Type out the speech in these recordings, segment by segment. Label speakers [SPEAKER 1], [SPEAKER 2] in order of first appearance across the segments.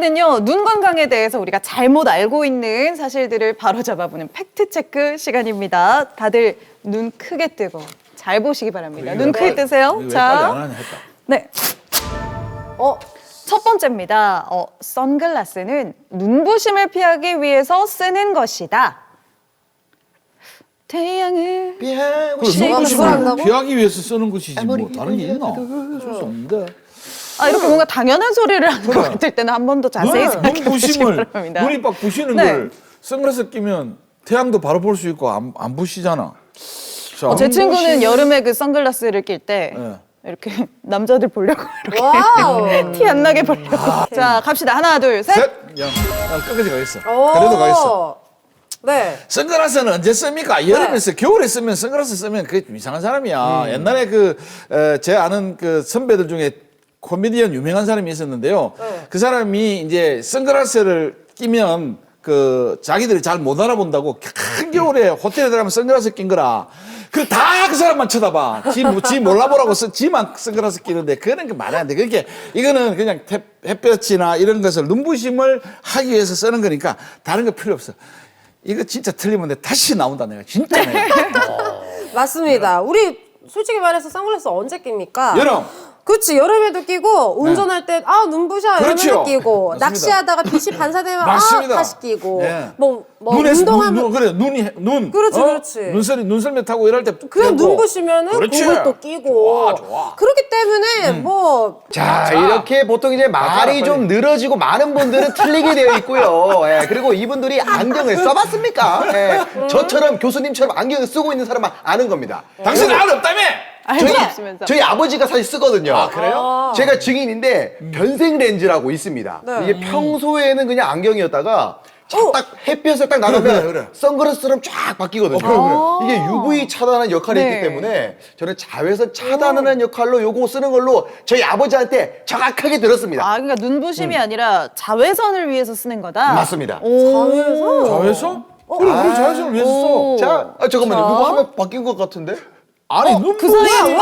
[SPEAKER 1] 시간은요, 눈 건강에 대해서 우리가 잘못 알고 있는 사실들을 바로잡아보는 팩트체크 시간입니다. 다들 눈 크게 뜨고 잘 보시기 바랍니다. 눈 크게 뜨세요. 자, 네. 첫 번째입니다. 선글라스는 눈부심을 피하기 위해서 쓰는 것이다. 태양을
[SPEAKER 2] 눈부심을 피하기 위해서 쓰는 것이지 뭐 다른 게 있나? 쓸 수 없는데.
[SPEAKER 1] 이렇게 뭔가 당연한 소리를 하는 것 같을 때는 한 번 더 자세히 생각해 보시기 바랍니다.
[SPEAKER 2] 눈이 빡 부시는
[SPEAKER 1] 네.
[SPEAKER 2] 걸 선글라스 끼면 태양도 바로 볼 수 있고 안 부시잖아. 자,
[SPEAKER 1] 제 친구는 여름에 그 선글라스를 낄 때
[SPEAKER 2] 네.
[SPEAKER 1] 이렇게 남자들 보려고 이렇게 티 안 나게 보려고. 자, 갑시다. 하나, 둘, 셋.
[SPEAKER 2] 야, 끝까지 가겠어. 그래도 가겠어.
[SPEAKER 3] 네.
[SPEAKER 2] 선글라스는 언제 씁니까? 여름에 써, 겨울에 쓰면 선글라스 쓰면 그게 좀 이상한 사람이야. 옛날에 제 아는 그 선배들 중에 코미디언 유명한 사람이 있었는데요. 그 사람이 이제 선글라스를 끼면 자기들이 잘 못 알아본다고 한겨울에 호텔에 들어가면 선글라스 낀 거라. 다 그 사람만 쳐다봐. 지 몰라보라고 지만 선글라스 끼는데 그런 게 말이 안 돼. 그러니까 이거는 그냥 햇볕이나 이런 것을 눈부심을 하기 위해서 쓰는 거니까 다른 거 필요 없어. 이거 진짜 틀리면 내가 다시 나온다 내가 진짜.
[SPEAKER 3] 맞습니다. 우리 솔직히 말해서 선글라스 언제 낍니까?
[SPEAKER 2] 여름.
[SPEAKER 3] 그렇지. 여름에도 끼고 운전할 때 눈부셔
[SPEAKER 2] 그렇죠.
[SPEAKER 3] 여름에도 끼고
[SPEAKER 2] 맞습니다.
[SPEAKER 3] 낚시하다가 빛이 반사되면
[SPEAKER 2] 맞습니다.
[SPEAKER 3] 다시 끼고
[SPEAKER 2] 네.
[SPEAKER 3] 뭐
[SPEAKER 2] 눈에서
[SPEAKER 3] 운동하면
[SPEAKER 2] 그래 눈
[SPEAKER 3] 그렇지, 그렇지.
[SPEAKER 2] 눈썰매 타고 이럴 때
[SPEAKER 3] 그냥 눈부시면은
[SPEAKER 2] 그렇지.
[SPEAKER 3] 그걸 또 끼고
[SPEAKER 2] 좋아.
[SPEAKER 3] 그렇기 때문에
[SPEAKER 4] 자, 이렇게 보통 이제 말이 좀 늘어지고 많은 분들은 틀리게 되어 있고요. 예, 그리고 이분들이 안경을 써봤습니까? 예, 저처럼 교수님처럼 안경을 쓰고 있는 사람만 아는 겁니다.
[SPEAKER 2] 당신 알 없다며?
[SPEAKER 1] 알고 없으면서.
[SPEAKER 4] 저희 아버지가 사실 쓰거든요.
[SPEAKER 2] 아, 그래요?
[SPEAKER 4] 제가 증인인데 변생 렌즈라고 있습니다.
[SPEAKER 3] 네.
[SPEAKER 4] 이게 평소에는 그냥 안경이었다가 딱 햇볕에 딱 나가면
[SPEAKER 2] 그래.
[SPEAKER 4] 선글라스처럼 쫙 바뀌거든요. 이게 UV 차단하는 역할이
[SPEAKER 1] 네.
[SPEAKER 4] 있기 때문에 저는 자외선 차단하는 역할로 요거 쓰는 걸로 저희 아버지한테 정확하게 들었습니다.
[SPEAKER 1] 그러니까 눈부심이 아니라 자외선을 위해서 쓰는 거다.
[SPEAKER 4] 맞습니다.
[SPEAKER 3] 자외선?
[SPEAKER 2] 자외선? 그래 자외선을 위해서 써.
[SPEAKER 4] 자, 잠깐만요. 누구 하면 바뀐 것 같은데?
[SPEAKER 2] 아니
[SPEAKER 1] 그 사이에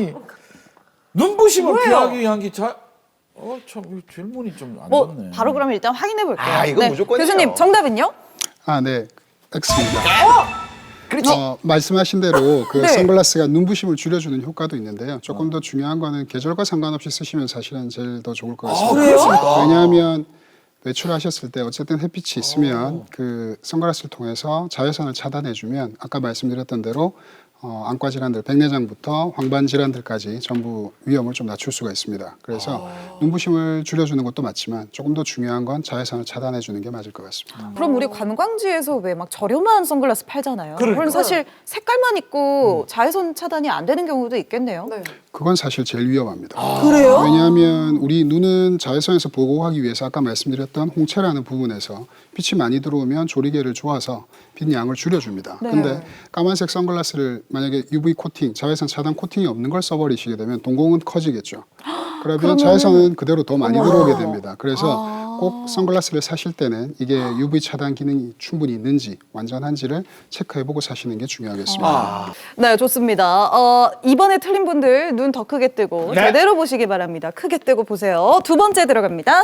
[SPEAKER 2] 눈부심을 피하기 위한 게 참 이 질문이 좀 안 좋네.
[SPEAKER 1] 바로 그러면 일단 확인해 볼게요.
[SPEAKER 4] 이건 무조건이죠.
[SPEAKER 1] 교수님 정답은요?
[SPEAKER 5] 네, X입니다.
[SPEAKER 4] 그렇지.
[SPEAKER 5] 말씀하신 대로 그
[SPEAKER 1] 네.
[SPEAKER 5] 선글라스가 눈부심을 줄여주는 효과도 있는데요. 조금 더 중요한 거는 계절과 상관없이 쓰시면 사실은 제일 더 좋을 것 같습니다.
[SPEAKER 2] 그렇습니까?
[SPEAKER 5] 왜냐하면 외출하셨을 때 어쨌든 햇빛이 있으면 그 선글라스를 통해서 자외선을 차단해주면 아까 말씀드렸던 대로 안과 질환들, 백내장부터 황반 질환들까지 전부 위험을 좀 낮출 수가 있습니다. 그래서 눈부심을 줄여주는 것도 맞지만 조금 더 중요한 건 자외선을 차단해주는 게 맞을 것 같습니다.
[SPEAKER 1] 그럼 우리 관광지에서 왜 막 저렴한 선글라스 팔잖아요.
[SPEAKER 2] 그러니까.
[SPEAKER 1] 그럼 사실 색깔만 있고 자외선 차단이 안 되는 경우도 있겠네요.
[SPEAKER 3] 네.
[SPEAKER 5] 그건 사실 제일 위험합니다.
[SPEAKER 3] 그래요?
[SPEAKER 5] 왜냐하면 우리 눈은 자외선에서 보호하기 위해서 아까 말씀드렸던 홍채라는 부분에서 빛이 많이 들어오면 조리개를 조아서 빛 양을 줄여줍니다. 근데 까만색 선글라스를 만약에 UV 코팅, 자외선 차단 코팅이 없는 걸 써버리시게 되면 동공은 커지겠죠. 그러면 자외선은 그대로 더 많이 들어오게 됩니다. 그래서 꼭 선글라스를 사실 때는 이게 UV 차단 기능이 충분히 있는지 완전한지를 체크해보고 사시는 게 중요하겠습니다.
[SPEAKER 1] 네, 좋습니다. 이번에 틀린 분들 눈 더 크게 뜨고
[SPEAKER 2] 네.
[SPEAKER 1] 제대로 보시기 바랍니다. 크게 뜨고 보세요. 두 번째 들어갑니다.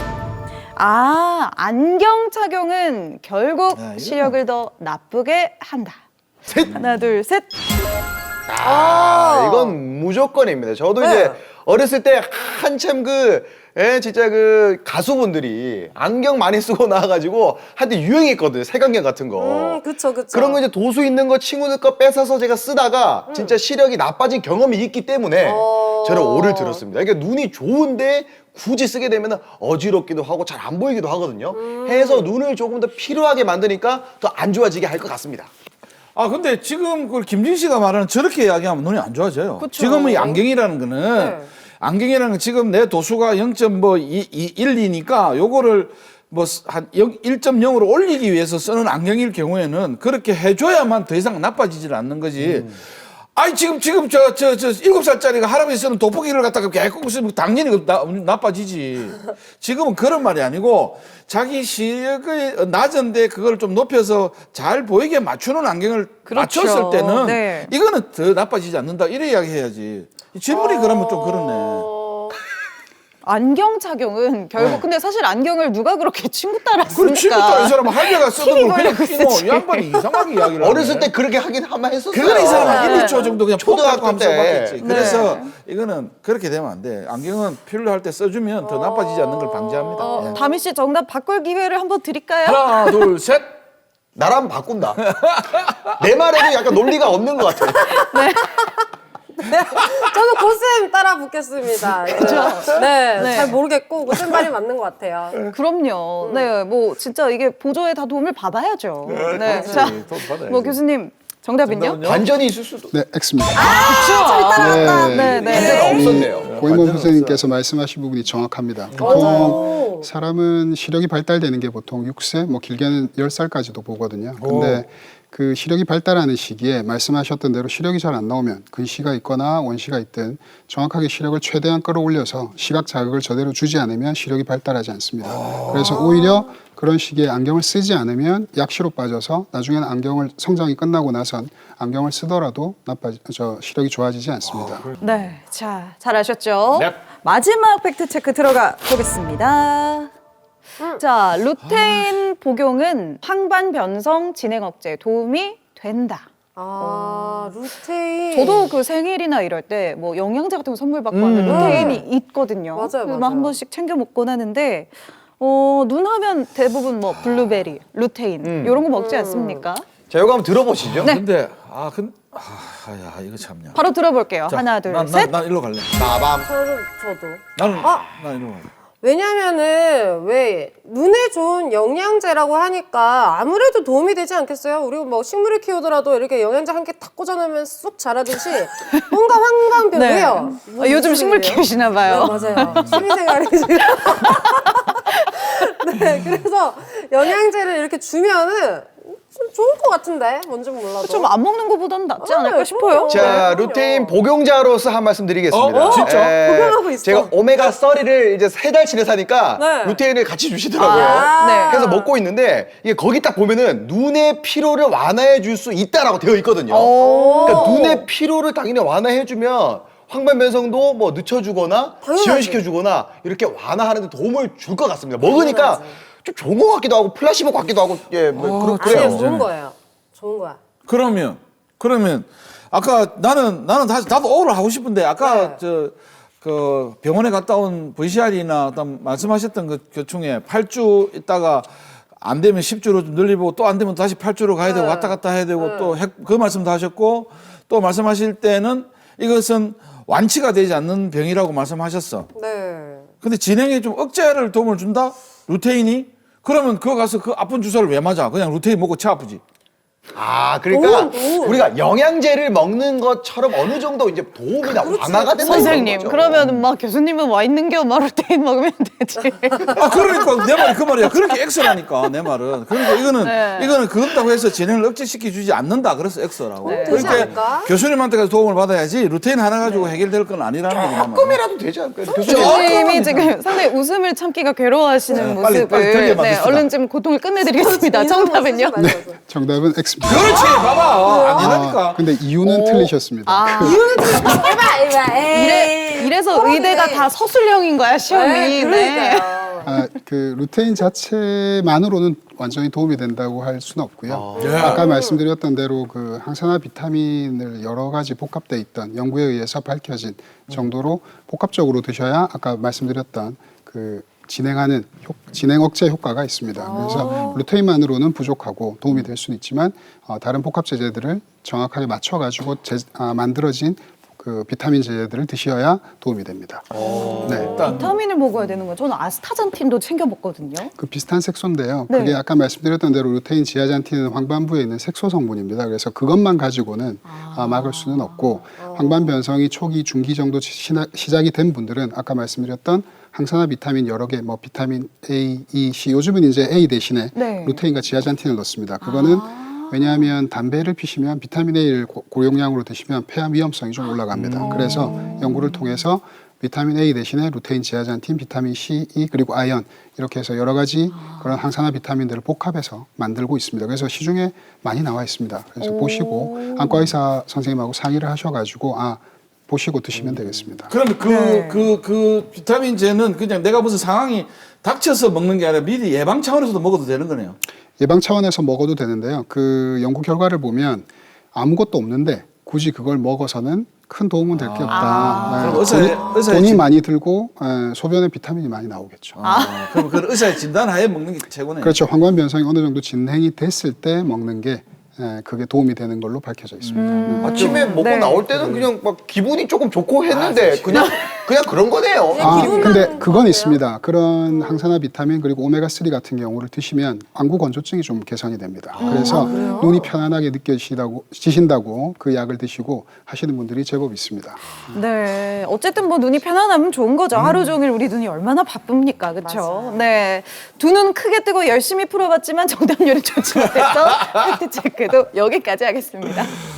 [SPEAKER 1] 안경 착용은 결국 시력을 더 나쁘게 한다. 하나, 둘, 셋.
[SPEAKER 4] 이건 무조건입니다. 저도
[SPEAKER 3] 네.
[SPEAKER 4] 이제 어렸을 때 한참 진짜 가수분들이 안경 많이 쓰고 나와가지고 한때 유행했거든요. 색안경 같은 거.
[SPEAKER 3] 그쵸.
[SPEAKER 4] 그런 거 이제 도수 있는 거 친구들 거 뺏어서 제가 쓰다가 진짜 시력이 나빠진 경험이 있기 때문에 저는 오를 들었습니다. 그러니까 눈이 좋은데 굳이 쓰게 되면 어지럽기도 하고 잘 안 보이기도 하거든요. 해서 눈을 조금 더 필요하게 만드니까 더 안 좋아지게 할 것 같습니다.
[SPEAKER 2] 근데 지금 김진 씨가 말하는 저렇게 이야기하면 눈이 안 좋아져요. 지금은 이 안경이라는 거는 안경이라는 건 지금 내 도수가 0.12니까 요거를 한 1.0으로 올리기 위해서 쓰는 안경일 경우에는 그렇게 해줘야만 더 이상 나빠지질 않는 거지. 지금 7살짜리가 할아버지 쓰는 돋보기를 갖다가 계속 쓰면 당연히 나빠지지. 지금은 그런 말이 아니고 자기 시력이 낮은데 그걸 좀 높여서 잘 보이게 맞추는 안경을
[SPEAKER 1] 그렇죠.
[SPEAKER 2] 맞췄을 때는
[SPEAKER 1] 네.
[SPEAKER 2] 이거는 더 나빠지지 않는다. 이래 이야기해야지. 질문이 그러면 좀 그렇네.
[SPEAKER 1] 안경 착용은 결국 근데 사실 안경을 누가 그렇게 친구 따라
[SPEAKER 2] 그래 친구 따라 이
[SPEAKER 1] 쓰니까
[SPEAKER 2] 사람은 할배가 쓰던 걸 그냥
[SPEAKER 1] 걸리고
[SPEAKER 2] 끼고
[SPEAKER 1] 쓰지.
[SPEAKER 2] 이 양반이 이상하게 이야기를
[SPEAKER 4] 어렸을
[SPEAKER 2] 하네.
[SPEAKER 4] 때 그렇게 하긴 한번 했었어요.
[SPEAKER 2] 그거는 이 사람은
[SPEAKER 1] 네.
[SPEAKER 2] 1, 2초 정도 그냥
[SPEAKER 4] 초등학교
[SPEAKER 2] 초등학교
[SPEAKER 4] 때.
[SPEAKER 2] 때 써봤겠지.
[SPEAKER 1] 네.
[SPEAKER 2] 그래서 이거는 그렇게 되면 안 돼. 안경은 필요할 때 써주면 더 나빠지지 않는 걸 방지합니다. 예.
[SPEAKER 1] 다미 씨 정답 바꿀 기회를 한번 드릴까요?
[SPEAKER 2] 하나, 둘, 셋.
[SPEAKER 4] 나라면 바꾼다. 내 말에도 약간 논리가 없는 것 같아.
[SPEAKER 3] 저는 고쌤 따라 붙겠습니다. 네,
[SPEAKER 1] 네.
[SPEAKER 3] 잘 모르겠고 고쌤 말이 맞는 것 같아요.
[SPEAKER 1] 그럼요. 네, 뭐 진짜 이게 보조에 다 도움을 받아야죠. 네, 자,
[SPEAKER 2] 돈 받아야지.
[SPEAKER 1] 뭐 교수님 정답은요?
[SPEAKER 2] 정답은요?
[SPEAKER 4] 반전이 있을 수도.
[SPEAKER 5] 네, X입니다.
[SPEAKER 1] 네, 네,
[SPEAKER 4] 반전이
[SPEAKER 1] 네.
[SPEAKER 4] 없었네요.
[SPEAKER 5] 고인범
[SPEAKER 2] 완전
[SPEAKER 5] 선생님께서 말씀하신 부분이 정확합니다. 보통 사람은 시력이 발달되는 게 보통 6세, 뭐 길게는 10살까지도 보거든요. 근데 그 시력이 발달하는 시기에 말씀하셨던 대로 시력이 잘 안 나오면 근시가 있거나 원시가 있든 정확하게 시력을 최대한 끌어올려서 시각 자극을 제대로 주지 않으면 시력이 발달하지 않습니다. 그래서 오히려 그런 시기에 안경을 쓰지 않으면 약시로 빠져서 나중에는 안경을 성장이 끝나고 나선 안경을 쓰더라도 시력이 좋아지지 않습니다.
[SPEAKER 1] 네, 자, 잘하셨죠?
[SPEAKER 2] 넵.
[SPEAKER 1] 마지막 팩트 체크 들어가 보겠습니다. 자, 루테인 복용은 황반 변성 진행 억제에 도움이 된다.
[SPEAKER 3] 루테인.
[SPEAKER 1] 저도 그 생일이나 이럴 때 뭐 영양제 같은 거 선물 받고 하면 루테인이 있거든요.
[SPEAKER 3] 맞아요,
[SPEAKER 1] 그래서
[SPEAKER 3] 맞아요.
[SPEAKER 1] 한 번씩 챙겨 먹곤 하는데 눈 하면 대부분 뭐 블루베리, 루테인 이런 거 먹지 않습니까?
[SPEAKER 4] 자, 이거 한번 들어보시죠.
[SPEAKER 1] 네.
[SPEAKER 2] 근데 야 이거 참냐.
[SPEAKER 1] 바로 들어볼게요.
[SPEAKER 2] 자,
[SPEAKER 1] 하나, 둘,
[SPEAKER 2] 난,
[SPEAKER 1] 셋.
[SPEAKER 2] 난 일로 갈래.
[SPEAKER 4] 나밤.
[SPEAKER 3] 저도.
[SPEAKER 2] 나는
[SPEAKER 3] 아!
[SPEAKER 2] 난 일로 갈래.
[SPEAKER 3] 왜냐면은 왜 눈에 좋은 영양제라고 하니까 아무래도 도움이 되지 않겠어요? 우리가 뭐 식물을 키우더라도 이렇게 영양제 한 개 탁 꽂아놓으면 쑥 자라듯이 뭔가 황방병이에요.
[SPEAKER 1] 아, 요즘 식물 키우시나 봐요.
[SPEAKER 3] 네, 맞아요. 취미생활이 지금. 네, 그래서 영양제를 이렇게 주면은 좀 좋을 것 같은데 뭔지 몰라도.
[SPEAKER 1] 좀 안 먹는 것보다는 낫지 않을까
[SPEAKER 3] 네,
[SPEAKER 1] 싶어요.
[SPEAKER 4] 자,
[SPEAKER 3] 그럼요.
[SPEAKER 4] 루테인 복용자로서 한 말씀 드리겠습니다.
[SPEAKER 2] 진짜?
[SPEAKER 3] 복용하고 있어.
[SPEAKER 4] 제가 오메가 3를 이제 3달치를 사니까
[SPEAKER 3] 네.
[SPEAKER 4] 루테인을 같이 주시더라고요.
[SPEAKER 1] 네.
[SPEAKER 4] 그래서 먹고 있는데 이게 거기 딱 보면은 눈의 피로를 완화해 줄 수 있다라고 되어 있거든요. 그러니까 눈의 피로를 당연히 완화해 주면 황반 변성도 뭐 늦춰주거나
[SPEAKER 3] 당연하지.
[SPEAKER 4] 지연시켜주거나 이렇게 완화하는 데 도움을 줄 것 같습니다. 먹으니까 좀 좋은 것 같기도 하고 플라시보 같기도 하고 뭐
[SPEAKER 3] 아니요,
[SPEAKER 4] 그래요.
[SPEAKER 3] 좋은 거예요. 좋은 거야.
[SPEAKER 2] 그러면 아까 나는 다시 나도 오를 하고 싶은데 아까
[SPEAKER 3] 네.
[SPEAKER 2] 그 병원에 갔다 온 VCR이나 어떤 말씀하셨던 그 중에 8주 있다가 안 되면 10주로 좀 늘리고 또 안 되면 다시 8주로 가야 되고 왔다 갔다 해야 되고 또 그 말씀도 하셨고 또 말씀하실 때는 이것은 완치가 되지 않는 병이라고 말씀하셨어.
[SPEAKER 3] 네.
[SPEAKER 2] 근데 진행에 좀 억제를 도움을 준다? 루테인이? 그러면 그거 가서 그 아픈 주사를 왜 맞아? 그냥 루테인 먹고 치 아프지.
[SPEAKER 4] 아, 그러니까
[SPEAKER 3] 오.
[SPEAKER 4] 우리가 영양제를 먹는 것처럼 어느 정도 이제 도움이나 완화가 된다.
[SPEAKER 1] 선생님, 그러면 막 교수님은 와 있는 겨 마루테인 먹으면 되지.
[SPEAKER 2] 아, 그러니까 내 말이 그 말이야. 그렇게 X라니까 내 말은. 그러니까 이거는 그렇다고 해서 진행을 억제시켜 주지 않는다. 그래서 X라고.
[SPEAKER 3] 되지 않을까?
[SPEAKER 2] 그러니까 교수님한테 가서 도움을 받아야지 루테인 하나 가지고 해결될 건 아니라는 거지. 내 말은.
[SPEAKER 4] 조금이라도 되지 않을까요? 교수님.
[SPEAKER 1] 교수님이 지금 상당히 웃음을 참기가 괴로워하시는
[SPEAKER 2] 네, 빨리
[SPEAKER 1] 모습을
[SPEAKER 2] 들게 만듭시다.
[SPEAKER 1] 얼른 좀 고통을 끝내드리겠습니다. 정답은요?
[SPEAKER 3] 네.
[SPEAKER 5] 정답은 X입니다.
[SPEAKER 2] 그렇지. 봐봐. 아니라니까.
[SPEAKER 5] 근데 이유는 틀리셨습니다.
[SPEAKER 1] 이래서 의대가 다 서술형인 거야, 시험이.
[SPEAKER 3] 네, 그러니까요.
[SPEAKER 5] 그 루테인 자체만으로는 완전히 도움이 된다고 할 수는 없고요.
[SPEAKER 2] 네.
[SPEAKER 5] 아까 말씀드렸던 대로 그 항산화 비타민을 여러 가지 복합돼 있던 연구에 의해서 밝혀진 정도로 복합적으로 드셔야 아까 말씀드렸던 그 진행 억제 효과가 있습니다. 그래서 루테인만으로는 부족하고 도움이 될 수는 있지만 다른 복합 제제들을 정확하게 맞춰가지고 만들어진 그 비타민 제제들을 드셔야 도움이 됩니다. 네.
[SPEAKER 1] 비타민을 먹어야 되는 거예요. 저는 아스타잔틴도 챙겨 먹거든요.
[SPEAKER 5] 그 비슷한 색소인데요.
[SPEAKER 1] 네.
[SPEAKER 5] 그게 아까 말씀드렸던 대로 루테인, 지아잔틴은 황반부에 있는 색소 성분입니다. 그래서 그것만 가지고는 막을 수는 없고 황반 변성이 초기, 중기 정도 시작이 된 분들은 아까 말씀드렸던 항산화 비타민 여러 개, 뭐 비타민 A, E, C, 요즘은 이제 A 대신에
[SPEAKER 1] 네.
[SPEAKER 5] 루테인과 지아잔틴을 넣습니다. 그거는 왜냐하면 담배를 피시면 비타민 A를 고용량으로 드시면 폐암 위험성이 좀 올라갑니다. 그래서 연구를 통해서 비타민 A 대신에 루테인, 지아잔틴, 비타민 C, E 그리고 아연 이렇게 해서 여러 가지 그런 항산화 비타민들을 복합해서 만들고 있습니다. 그래서 시중에 많이 나와 있습니다. 그래서 보시고 안과 의사 선생님하고 상의를 하셔가지고 보시고 드시면 되겠습니다.
[SPEAKER 2] 그러면 그 비타민제는 그냥 내가 무슨 상황이 닥쳐서 먹는 게 아니라 미리 예방 차원에서도 먹어도 되는 거네요.
[SPEAKER 5] 예방 차원에서 먹어도 되는데요. 그 연구 결과를 보면 아무것도 없는데 굳이 그걸 먹어서는 큰 도움은 될 게 없다.
[SPEAKER 2] 그럼 의사의
[SPEAKER 5] 돈이 많이 들고 소변에 비타민이 많이 나오겠죠.
[SPEAKER 2] 그럼 그 의사의 진단하에 먹는 게 최고네요.
[SPEAKER 5] 그렇죠. 환관 변성이 어느 정도 진행이 됐을 때 먹는 게 그게 도움이 되는 걸로 밝혀져 있습니다.
[SPEAKER 4] 아침에 먹고
[SPEAKER 1] 네.
[SPEAKER 4] 나올 때는 그냥 막 기분이 조금 좋고 했는데 그냥 그런 거네요.
[SPEAKER 3] 기분만
[SPEAKER 5] 근데
[SPEAKER 3] 그런
[SPEAKER 5] 그건
[SPEAKER 3] 거예요?
[SPEAKER 5] 있습니다. 그런 항산화 비타민 그리고 오메가3 같은 경우를 드시면 안구 건조증이 좀 개선이 됩니다. 그래서 눈이 편안하게 느껴지신다고 그 약을 드시고 하시는 분들이 제법 있습니다.
[SPEAKER 1] 네, 어쨌든 뭐 눈이 편안하면 좋은 거죠. 하루 종일 우리 눈이 얼마나 바쁩니까, 그렇죠? 네, 두 눈 크게 뜨고 열심히 풀어봤지만 정답률이 좋지 못해서 팩트 체크도 여기까지 하겠습니다.